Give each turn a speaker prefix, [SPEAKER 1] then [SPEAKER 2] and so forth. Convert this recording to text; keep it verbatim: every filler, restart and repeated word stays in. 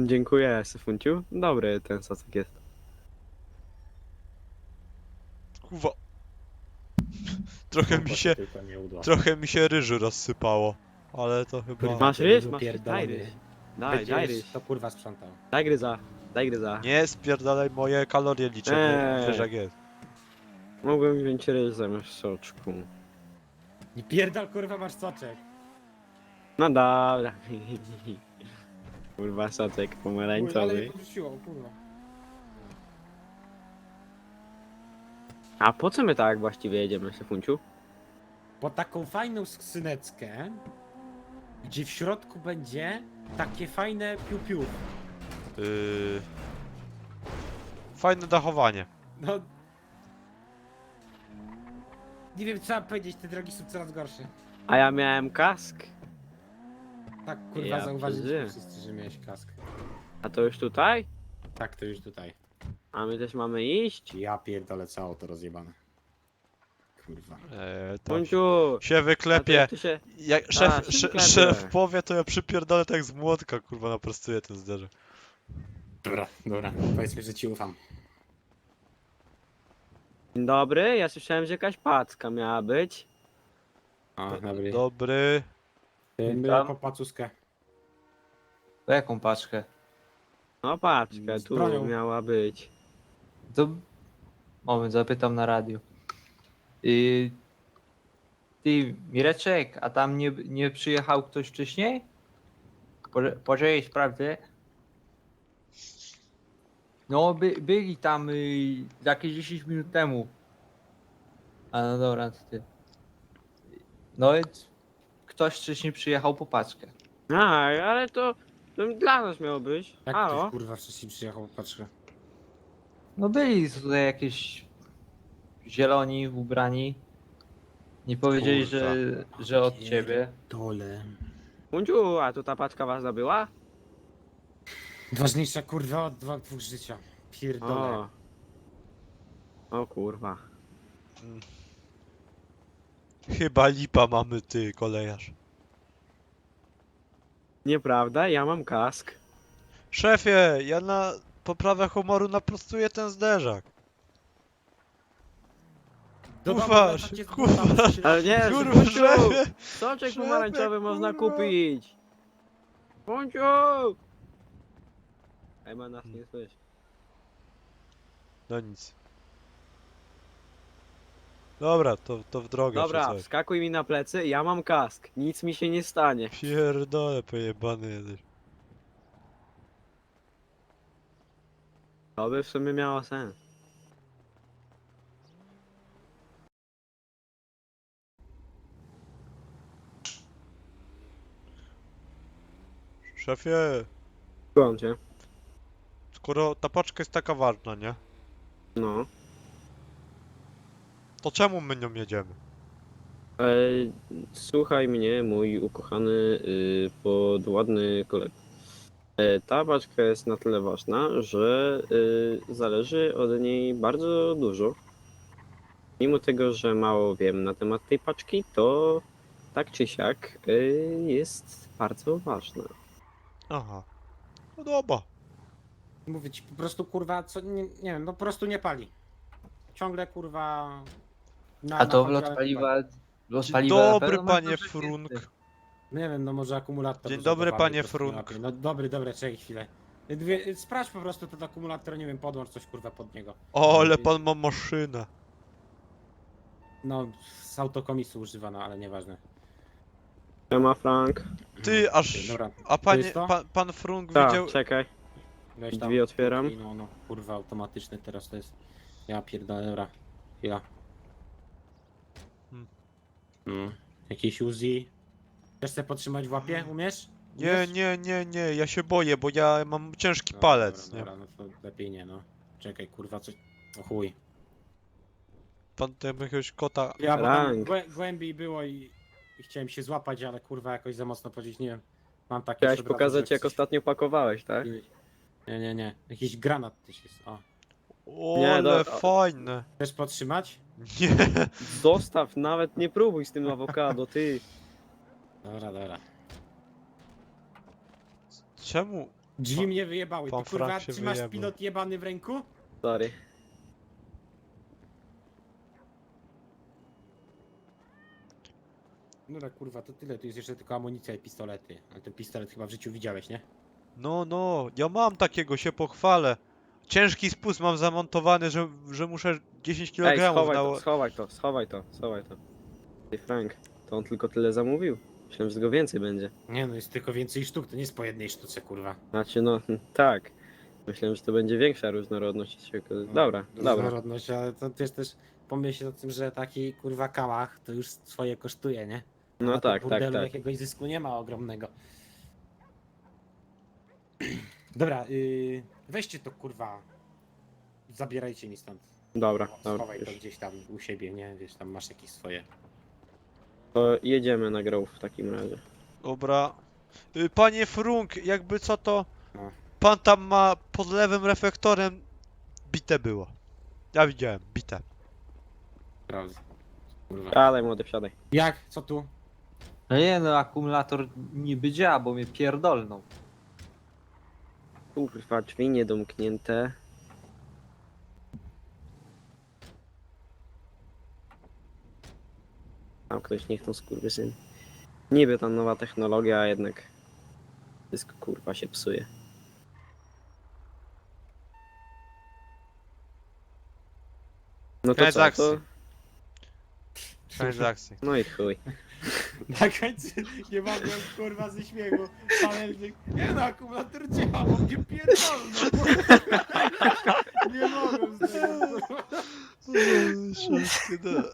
[SPEAKER 1] Dziękuję, Syfunciu. Dobry ten sosek jest.
[SPEAKER 2] Kurwa. Trochę mi
[SPEAKER 3] Kompa
[SPEAKER 2] się,
[SPEAKER 3] tylko nie udła.
[SPEAKER 2] trochę mi się ryżu rozsypało. Ale to chyba...
[SPEAKER 3] Kurwa,
[SPEAKER 1] Masz
[SPEAKER 3] ty
[SPEAKER 1] ryż?
[SPEAKER 3] ryżu
[SPEAKER 1] Masz ryż?
[SPEAKER 3] pierdolony.
[SPEAKER 1] Daj ryż. Daj, daj
[SPEAKER 3] Będziesz
[SPEAKER 1] ryż.
[SPEAKER 3] to kurwa sprzątał.
[SPEAKER 1] Daj gryza. Daj gryza.
[SPEAKER 2] Nie spierdalaj, moje kalorie liczę,
[SPEAKER 1] Eee.
[SPEAKER 2] wiesz jak jest.
[SPEAKER 1] Mogłem wziąć ryż zamiast soczku.
[SPEAKER 3] Nie pierdol, kurwa, masz soczek.
[SPEAKER 1] No dobra. Kurwa, soczek
[SPEAKER 3] Kurwa, ale
[SPEAKER 1] pomarańczowy.
[SPEAKER 3] mnie podrzuciło, kurwa.
[SPEAKER 1] A po co my tak właściwie jedziemy, Syfunciu?
[SPEAKER 3] Po taką fajną skrzyneczkę, gdzie w środku będzie takie fajne piu-piu.
[SPEAKER 2] Yy... Fajne dachowanie.
[SPEAKER 3] No... Nie wiem, co mam powiedzieć, te drogi są coraz gorsze.
[SPEAKER 1] A ja miałem kask.
[SPEAKER 3] Tak, kurwa,
[SPEAKER 1] Ja
[SPEAKER 3] zauważyliśmy
[SPEAKER 1] przeżyłem.
[SPEAKER 3] wszyscy, że miałeś kask.
[SPEAKER 1] A to już tutaj?
[SPEAKER 3] Tak, to już tutaj.
[SPEAKER 1] A my też mamy iść?
[SPEAKER 3] Ja pierdolę, co auto rozjebane. Kurwa.
[SPEAKER 2] Eee, tak.
[SPEAKER 1] Syfunciu!
[SPEAKER 2] Się
[SPEAKER 1] a to
[SPEAKER 2] wyklepie.
[SPEAKER 1] jak ty się...
[SPEAKER 2] Jak
[SPEAKER 1] A,
[SPEAKER 2] szef,
[SPEAKER 1] się
[SPEAKER 2] sze,
[SPEAKER 1] wyklepie.
[SPEAKER 2] szef powie, to ja przypierdolę tak z młotka, kurwa, naprostuję ten zderzek.
[SPEAKER 3] Dobra, dobra, powiedzmy, że ci ufam.
[SPEAKER 1] Dzień dobry, ja słyszałem, że jakaś packa miała być.
[SPEAKER 3] O, dobry.
[SPEAKER 2] Dobry.
[SPEAKER 3] My
[SPEAKER 4] Tam.
[SPEAKER 3] po pacuskę.
[SPEAKER 4] To jaką paczkę?
[SPEAKER 1] No paczka,
[SPEAKER 3] Z
[SPEAKER 1] tu
[SPEAKER 3] bronią.
[SPEAKER 1] miała być.
[SPEAKER 4] To... Moment, zapytam na radiu. Yy... Ty, Mireczek, a tam nie, nie przyjechał ktoś wcześniej? Poże- Poczekaj, sprawdzę. No, by, byli tam y, jakieś dziesięć minut temu. A no dobra, to ty. No i ktoś wcześniej przyjechał po paczkę.
[SPEAKER 1] A, ale to, to dla nas miało być.
[SPEAKER 3] Jak
[SPEAKER 1] Halo?
[SPEAKER 3] ktoś kurwa wcześniej przyjechał, patrzę.
[SPEAKER 4] No byli tutaj jakieś zieloni ubrani. Nie powiedzieli,
[SPEAKER 2] Kurwa.
[SPEAKER 4] że, że od ciebie.
[SPEAKER 3] Dole.
[SPEAKER 1] Funciu, a tu ta paczka was zabyła?
[SPEAKER 3] Ważniejsza kurwa od dwa, dwóch życia. Pierdolę.
[SPEAKER 1] O. O kurwa.
[SPEAKER 2] Chyba lipa mamy, ty, kolejarz.
[SPEAKER 1] Nieprawda, ja mam kask.
[SPEAKER 2] Szefie, ja na poprawę humoru naprostuję ten zderzak.
[SPEAKER 3] Do domu
[SPEAKER 2] Kuwasz,
[SPEAKER 3] wracam cię z
[SPEAKER 2] kuwasz.
[SPEAKER 3] buta, bo się-
[SPEAKER 1] Ale nie,
[SPEAKER 2] Kurwa,
[SPEAKER 1] Funciu!
[SPEAKER 2] szefie!
[SPEAKER 1] Soczek
[SPEAKER 2] Szefie,
[SPEAKER 1] pomarańczowy można
[SPEAKER 2] kurwa.
[SPEAKER 1] kupić! Funciu! Ej, ma nas nie słyszy.
[SPEAKER 2] No nic. Dobra, to, to w drogę.
[SPEAKER 1] Dobra,
[SPEAKER 2] czy coś.
[SPEAKER 1] wskakuj mi na plecy, ja mam kask. Nic mi się nie stanie.
[SPEAKER 2] Pierdolę, pojebany jesteś.
[SPEAKER 1] To by w sumie miało sens.
[SPEAKER 2] Szefie,
[SPEAKER 1] Słucham cię.
[SPEAKER 2] skoro ta paczka jest taka ważna, nie?
[SPEAKER 1] No.
[SPEAKER 2] To czemu my nią jedziemy?
[SPEAKER 1] E, słuchaj mnie, mój ukochany, y, podładny kolego. E, ta paczka jest na tyle ważna, że y, zależy od niej bardzo dużo. Mimo tego, że mało wiem na temat tej paczki, to tak czy siak y, jest bardzo ważna.
[SPEAKER 2] Aha. No dobra.
[SPEAKER 3] Mówię ci po prostu kurwa, co nie, nie wiem, no po prostu nie pali. Ciągle kurwa. Na,
[SPEAKER 4] A to
[SPEAKER 3] na
[SPEAKER 4] wlot
[SPEAKER 3] kontrolę
[SPEAKER 4] paliwa... Wlot
[SPEAKER 2] Dzień
[SPEAKER 4] paliwa na
[SPEAKER 2] dobry,
[SPEAKER 4] pewno ma
[SPEAKER 2] panie
[SPEAKER 4] dużo
[SPEAKER 2] Frunk.
[SPEAKER 4] więcej.
[SPEAKER 3] No nie wiem, no może akumulator.
[SPEAKER 2] Dzień
[SPEAKER 3] rozładowany
[SPEAKER 2] dobry, panie
[SPEAKER 3] po prostu
[SPEAKER 2] Frunk.
[SPEAKER 3] lepiej. No dobry, dobra, czekaj chwilę. Dwie, sprawdź po prostu ten akumulator, nie wiem, podłącz coś kurwa pod niego.
[SPEAKER 2] O, ale pan ma maszynę.
[SPEAKER 3] No, z autokomisu używano, ale nieważne.
[SPEAKER 1] Siema Frank.
[SPEAKER 2] Ty, aż...
[SPEAKER 3] Dobra,
[SPEAKER 2] A
[SPEAKER 3] to
[SPEAKER 2] panie,
[SPEAKER 3] jest to?
[SPEAKER 2] pan, pan Frunk
[SPEAKER 1] Tak,
[SPEAKER 2] widział...
[SPEAKER 1] czekaj.
[SPEAKER 3] weź tam.
[SPEAKER 1] Drzwi otwieram.
[SPEAKER 3] No, no, kurwa, automatyczny teraz to jest. Ja pierdolę, dobra. Chwila.
[SPEAKER 2] Hmm.
[SPEAKER 3] No. Jakiś Uzi. Chcesz sobie podtrzymać w łapie? Umiesz?
[SPEAKER 2] Nie,
[SPEAKER 3] Umiesz?
[SPEAKER 2] nie, nie, nie, ja się boję, bo ja mam ciężki
[SPEAKER 3] Dobra,
[SPEAKER 2] palec,
[SPEAKER 3] dobra,
[SPEAKER 2] nie?
[SPEAKER 3] Dobra, no to lepiej nie, no. Czekaj, kurwa, coś. O chuj.
[SPEAKER 2] Pan tam jakiegoś kota...
[SPEAKER 3] Ja, bo tam
[SPEAKER 1] Rank.
[SPEAKER 3] głę, głębiej było i, i chciałem się złapać, ale kurwa jakoś za mocno powiedzieć, nie wiem. Mam takie
[SPEAKER 1] Chciałeś
[SPEAKER 3] już od razu,
[SPEAKER 1] pokazać,
[SPEAKER 3] że
[SPEAKER 1] jak
[SPEAKER 3] coś-
[SPEAKER 1] ostatnio pakowałeś, tak?
[SPEAKER 3] Nie, nie, nie. Jakiś granat też jest. O.
[SPEAKER 2] O,
[SPEAKER 1] Nie,
[SPEAKER 2] ale
[SPEAKER 1] do-
[SPEAKER 2] fajne.
[SPEAKER 3] Chcesz podtrzymać?
[SPEAKER 2] Nie.
[SPEAKER 1] Zostaw, nawet nie próbuj z tym awokado, ty.
[SPEAKER 3] Dobra, dobra.
[SPEAKER 2] Czemu?
[SPEAKER 3] Drzwi mnie wyjebały.
[SPEAKER 2] pan
[SPEAKER 3] Ty kurwa
[SPEAKER 2] Frank się
[SPEAKER 3] trzymasz
[SPEAKER 2] wyjebał.
[SPEAKER 3] pilot jebany w ręku?
[SPEAKER 1] Sorry.
[SPEAKER 3] No tak kurwa, to tyle. Tu jest jeszcze tylko amunicja i pistolety. Ale ten pistolet chyba w życiu widziałeś, nie?
[SPEAKER 2] No, no, ja mam takiego, się pochwalę. Ciężki spust mam zamontowany, że, że muszę dziesięć
[SPEAKER 1] Ej,
[SPEAKER 2] kilogramów
[SPEAKER 1] schowaj
[SPEAKER 2] na...
[SPEAKER 1] to, schowaj to, schowaj to, schowaj to. Ej, Frank, to on tylko tyle zamówił? Myślałem, że tego więcej będzie.
[SPEAKER 3] Nie no, jest tylko więcej sztuk, to nie jest po jednej sztuce, kurwa.
[SPEAKER 1] Znaczy, no, tak. Myślałem, że to będzie większa różnorodność. Dobra, dobra.
[SPEAKER 3] Różnorodność, ale to też też pomyśl o tym, że taki kurwa kałach to już swoje kosztuje, nie? A
[SPEAKER 1] No
[SPEAKER 3] na tym
[SPEAKER 1] tak, tak,
[SPEAKER 3] burdelu
[SPEAKER 1] tak.
[SPEAKER 3] jakiegoś zysku nie ma ogromnego. Dobra, yy, weźcie to kurwa. Zabierajcie mi stąd.
[SPEAKER 1] Dobra,
[SPEAKER 3] O,
[SPEAKER 1] dobra.
[SPEAKER 3] Schowaj to
[SPEAKER 1] Już.
[SPEAKER 3] gdzieś tam u siebie, nie? Wiesz, tam masz jakieś swoje.
[SPEAKER 1] To jedziemy na Grove w takim razie.
[SPEAKER 2] Dobra. Y, Panie Frunk, jakby co to...
[SPEAKER 3] No.
[SPEAKER 2] Pan tam ma pod lewym reflektorem... Bite było. Ja widziałem, bite.
[SPEAKER 3] Prawda. Kurwa.
[SPEAKER 1] Wsiadaj, młody, wsiadaj.
[SPEAKER 3] Jak? Co tu?
[SPEAKER 4] No nie no, akumulator niby działa, bo mnie pierdolną.
[SPEAKER 1] Kurwa, drzwi niedomknięte. Tam ktoś niech tą skurwysyn. Niby ta nowa technologia, a jednak wszystko kurwa się psuje. No to
[SPEAKER 2] Koniec
[SPEAKER 1] co,
[SPEAKER 2] akcji.
[SPEAKER 1] to...
[SPEAKER 2] Koniec akcji.
[SPEAKER 1] No i chuj.
[SPEAKER 3] Na końcu nie mogłem kurwa ze śmiechu. Pamiętnik. Nie no, akumulator działa, bo mnie pierdolno. Nie mogłem z tego.
[SPEAKER 2] Szybkie,